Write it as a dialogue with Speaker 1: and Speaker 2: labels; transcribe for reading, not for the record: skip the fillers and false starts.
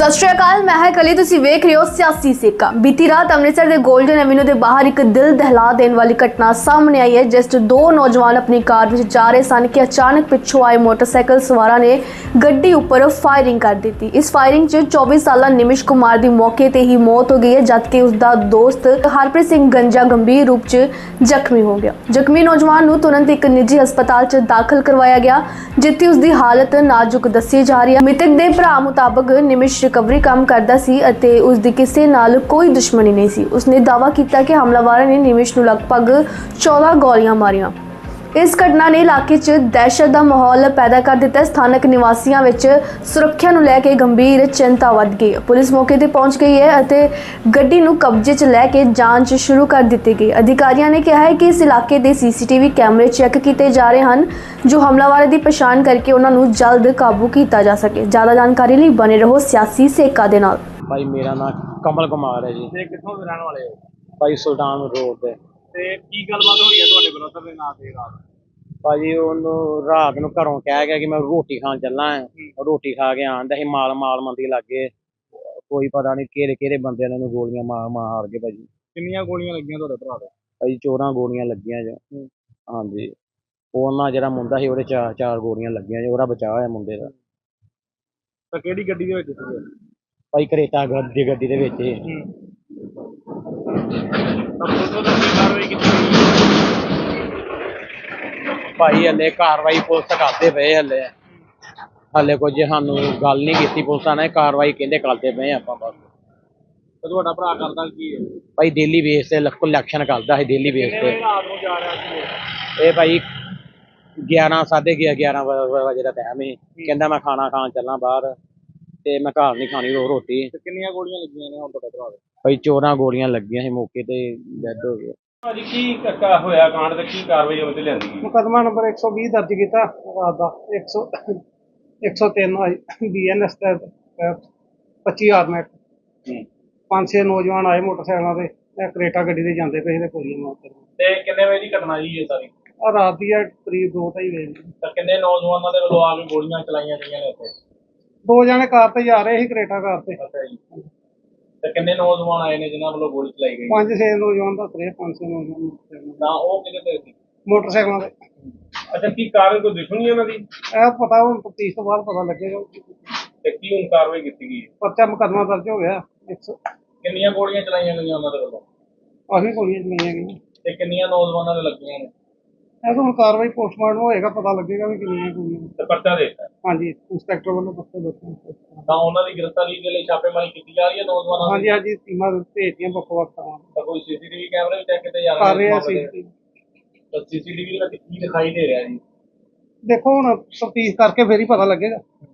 Speaker 1: सत श्री अकाल, मैं है कली। तुसी वेख रहे हो सियासी सेका। बीती रात अमृतसर के गोल्डन एवेन्यू के बाहर एक दिल दहला देने वाली घटना सामने आई है, जिस दो नौजवान अपनी कार में जा रहे सन कि अचानक पिछों आए मोटरसाइकिल सवारां ने गड्डी उपर फायरिंग कर दी। इस फायरिंग च 24 साला निमिश कुमार की मौके पर ही मौत हो गई है, जबकि उसका दोस्त हरप्रीत सिंह गंजा गंभीर रूप से जख्मी हो गया। जख्मी नौजवान को तुरंत एक निजी हस्पताल च दाखिल करवाया गया, जिथे उसकी हालत नाजुक दसी जा रही है। मृतक के भरा मुताबक निमिश रिकवरी काम करता सी अते उसकी किसी नाल कोई दुश्मनी नहीं सी। उसने दावा किया कि हमलावरों ने निमिश को लगभग 14 गोलियां मारियां। इस घटना ने इलाके च दहशत का माहौल पैदा कर दिता। स्थानक निवासियों में सुरक्षा को लैके गंभीर चिंता बढ़ गई। पुलिस मौके पर पहुंच गई है और गड्डी को कब्जे च लैके जांच शुरू कर दी गई। अधिकारियों ने कहा है कि इस इलाके के CCTV कैमरे चैक किए जा रहे हैं, जो हमलावरों की पछाण करके उन्होंने जल्द काबू किया जा सके। ज़्यादा जानकारी लिए बने रहो सियासी सेका दे नाल।
Speaker 2: भाई मेरा नाम कमल कुमार है जी।
Speaker 3: ਤੇ ਕਿੱਥੋਂ ਦੇ ਰਹਿਣ ਵਾਲੇ ਹੋ
Speaker 2: भाई सुल्तान रोड ਤੇ
Speaker 3: ਤੇ ਕੀ ਗੱਲਬਾਤ ਹੋਈ ਹੈ ਤੁਹਾਡੇ ਬ੍ਰਦਰ ਦੇ ਨਾਂ ਤੇ ਰਾਤ?
Speaker 2: ਭਾਜੀ ਉਹਨੂੰ ਰਾਤ ਨੂੰ ਘਰੋਂ ਕਹਿ ਗਿਆ ਕਿ ਮੈਂ ਰੋਟੀ ਖਾਣ ਚੱਲਾਂ ਆ। ਰੋਟੀ ਖਾ ਕੇ ਆਂਦਾ ਸੀ ਮਾਲ ਮੰਦੀ ਲੱਗੇ। ਕੋਈ ਪਤਾ ਨਹੀਂ ਕਿਹੜੇ ਕਿਹੜੇ ਬੰਦਿਆਂ ਨੇ ਉਹਨੂੰ ਗੋਲੀਆਂ ਮਾਰ ਕੇ ਭਾਜੀ।
Speaker 3: ਕਿੰਨੀਆਂ ਗੋਲੀਆਂ ਲੱਗੀਆਂ ਤੁਹਾਡੇ ਭਰਾ ਦੇ?
Speaker 2: ਭਾਜੀ 14 ਗੋਲੀਆਂ ਲੱਗੀਆਂ ਜੀ। ਹਾਂਜੀ, ਉਹਨਾਂ ਜਿਹੜਾ ਮੁੰਡਾ ਸੀ ਉਹਦੇ ਚਾਰ ਗੋਲੀਆਂ ਲੱਗੀਆਂ ਜੀ। ਉਹਦਾ ਬਚਾਅ ਹੋਇਆ ਮੁੰਡੇ ਦਾ।
Speaker 3: ਤਾਂ ਕਿਹੜੀ ਗੱਡੀ ਦੇ ਵਿੱਚ ਸੀਗੇ?
Speaker 2: ਭਾਈ ਕਰੇਟਾ ਗੱਡੀ ਦੇ ਵਿੱਚ ਹੀ।
Speaker 3: ਤਾਂ ਪੁਲਿਸ ਵੱਲੋਂ ਕੀ ਕਾਰਵਾਈ ਕੀਤੀ ਗਈ?
Speaker 2: ਭਾਈ ਹਲੇ ਕਾਰਵਾਈ ਪੁਲਿਸ ਕਰਦੇ ਪਏ। ਹਲੇ ਕੁਝ ਸਾਨੂੰ ਗੱਲ ਨਹੀਂ ਕੀਤੀ ਪੁਲਿਸਾਂ ਨੇ। ਕਾਰਵਾਈ ਕਹਿੰਦੇ ਕਰਦੇ ਪਏ ਆਪਾਂ ਬਸ।
Speaker 3: ਤੇ ਤੁਹਾਡਾ ਭਰਾ ਕਰਦਾ ਕੀ ਹੈ?
Speaker 2: ਭਾਈ ਡੇਲੀ ਬੇਸ ਤੇ ਇਲੈਕਸ਼ਨ ਕਰਦਾ ਹੈ ਡੇਲੀ ਬੇਸ
Speaker 3: ਕਿੰਨੇ
Speaker 2: ਤੇ।
Speaker 3: ਵਜੇ ਰਾਤ ਨੂੰ ਜਾ ਰਿਹਾ ਸੀ?
Speaker 2: ਇਹ ਭਾਈ 11 ਵਜੇ ਦਾ ਟਾਈਮ ਸੀ। ਕਹਿੰਦਾ ਮੈਂ ਖਾਣਾ ਖਾਣ ਚੱਲਾਂ ਬਾਹਰ ਤੇ ਮੈਂ ਘਰ ਨਹੀਂ ਖਾਣੀ ਰੋਟੀ।
Speaker 3: ਤੇ ਕਿੰਨੀਆਂ ਗੋਲੀਆਂ ਲੱਗੀਆਂ ਨੇ ਹੁਣ ਤੁਹਾਡੇ ਭਰਾ ਦੇ?
Speaker 2: ਭਾਈ 14 ਗੋਲੀਆਂ ਲੱਗੀਆਂ ਸੀ, ਮੌਕੇ ਤੇ ਡੈਡ ਹੋ ਗਏ।
Speaker 3: ਭਾਜੀ ਕੀ ਹੋਇਆ ਕਾਂਡ ਤੇ ਕੀ ਕਾਰਵਾਈ ਉਹਦੇ ਤੇ ਲਿਆਂਦੀ ਗਈ?
Speaker 4: ਮੁਕੱਦਮਾ ਨੰਬਰ 120 ਦਰਜ ਕੀਤਾ ਰਾਤ ਦਾ। 103 BNS ਤੇ 25 ਆਰਮੈਟ। 5-6 ਨੌਜਵਾਨ ਆਏ ਮੋਟਰਸਾਈਕਲਾਂ ਤੇ, ਇਹ ਕਰੇਟਾ ਗੱਡੀ ਤੇ ਜਾਂਦੇ ਪਏ ਤੇ ਗੋਲੀਆਂ ਮਾਰ ਕੇ।
Speaker 3: ਤੇ ਕਿੰਨੇ ਵਜੇ ਦੀ ਘਟਨਾ ਜੀ ਇਹ ਸਾਰੀ?
Speaker 4: ਆ ਰਾਤ ਦੀ ਹੈ ਕਰੀਬ 2-2:30 ਵਜੇ।
Speaker 3: ਤਾਂ ਕਿੰਨੇ ਨੌਜਵਾਨਾਂ ਦੇ ਵੱਲੋਂ ਆ ਕੇ ਗੋਲੀਆਂ ਚਲਾਈਆਂ ਗਈਆਂ ਨੇ ਉੱਥੇ?
Speaker 4: 2 ਜਣੇ ਕਾਰ ਤੇ ਜਾ ਰਹੇ ਸੀ, ਕਰੇਟਾ ਕਾਰ ਤੇ।
Speaker 3: ਅੱਛਾ ਜੀ। ਤੇ ਕਿੰਨੇ ਨੌਜਵਾਨ ਆਏ ਨੇ ਜਿਨ੍ਹਾਂ ਵੱਲੋਂ ਗੋਲੀ ਚਲਾਈ ਗਈ?
Speaker 4: 5-6 ਨੌਜਵਾਨ ਦੱਸ ਰਹੇ, 5-6 ਨੌਜਵਾਨ
Speaker 3: ਤਾਂ ਉਹ ਕਿਹਦੇ ਤੇ ਸੀ?
Speaker 4: ਮੋਟਰਸਾਈਕਲਾਂ ਤੇ।
Speaker 3: ਅੱਛਾ, ਕੀ ਕਾਰਨ ਕੋਈ ਦੁਸ਼ਮਣੀ ਉਹਨਾਂ ਦੀ?
Speaker 4: ਇਹ ਪਤਾ ਹੁਣ ਤਫਤੀਸ਼ ਤੋਂ ਬਾਅਦ ਪਤਾ ਲੱਗੇਗਾ।
Speaker 3: ਤੇ ਕੀ ਹੁਣ ਕਾਰਵਾਈ ਕੀਤੀ ਗਈ?
Speaker 4: ਪਰਚਾ ਮੁਕੱਦਮਾ ਦਰਜ ਹੋ ਗਿਆ।
Speaker 3: ਕਿੰਨੀਆਂ ਗੋਲੀਆਂ ਚਲਾਈਆਂ ਗਈਆਂ ਉਹਨਾਂ ਦੇ ਵੱਲੋਂ?
Speaker 4: ਕਾਫੀ ਗੋਲੀਆਂ ਚਲਾਈਆਂ ਗਈਆਂ।
Speaker 3: ਤੇ ਕਿੰਨੀਆਂ ਨੌਜਵਾਨਾਂ ਦੇ ਲੱਗੀਆਂ ਨੇ?
Speaker 4: ਇਹ ਤਾਂ ਹੁਣ ਕਾਰਵਾਈ ਪੋਸਟਮਾਰਟਮ ਹੋਏਗਾ, ਪਤਾ ਲੱਗੇਗਾ ਵੀ ਕਿੰਨੀਆਂ ਗੋਲੀਆਂ।
Speaker 3: ਤੇ ਪਰਚਾ ਦੇ ਦਿੱਤਾ?
Speaker 4: ਹਾਂਜੀ, ਇੰਸਪੈਕਟਰ ਵੱਲੋਂ ਪੱਕੇ ਦੱਸੋ।
Speaker 3: ਤਾਂ ਉਹਨਾਂ ਦੀ ਗ੍ਰਿਫਤਾਰੀ ਦੇ ਲਈ ਛਾਪੇਮਾਰੀ ਕੀਤੀ ਜਾ ਰਹੀ ਹੈ ਨੌਜਵਾਨਾਂ ਦੀ?
Speaker 4: ਹਾਂਜੀ, ਟੀਮਾਂ ਭੇਜਦੀਆਂ ਵੱਖ-ਵੱਖ ਥਾਵਾਂ ਤੇ।
Speaker 3: ਤਾਂ ਕੋਈ CCTV ਕੈਮਰੇ ਵੀ ਚੈੱਕ ਕੀਤੇ ਜਾ
Speaker 4: ਕਰ
Speaker 3: ਰਹੇ
Speaker 4: ਰਹੇ
Speaker 3: ਨੇ?
Speaker 4: ਅਸੀਂ।
Speaker 3: ਤਾਂ CCTV ਦੇ ਵਿੱਚ ਕੀ ਦਿਖਾਈ ਦੇ ਰਿਹਾ ਜੀ?
Speaker 4: ਦੇਖੋ ਹੁਣ ਤਫਤੀਸ਼ ਕਰਕੇ ਫੇਰ ਹੀ ਪਤਾ ਲੱਗੇਗਾ।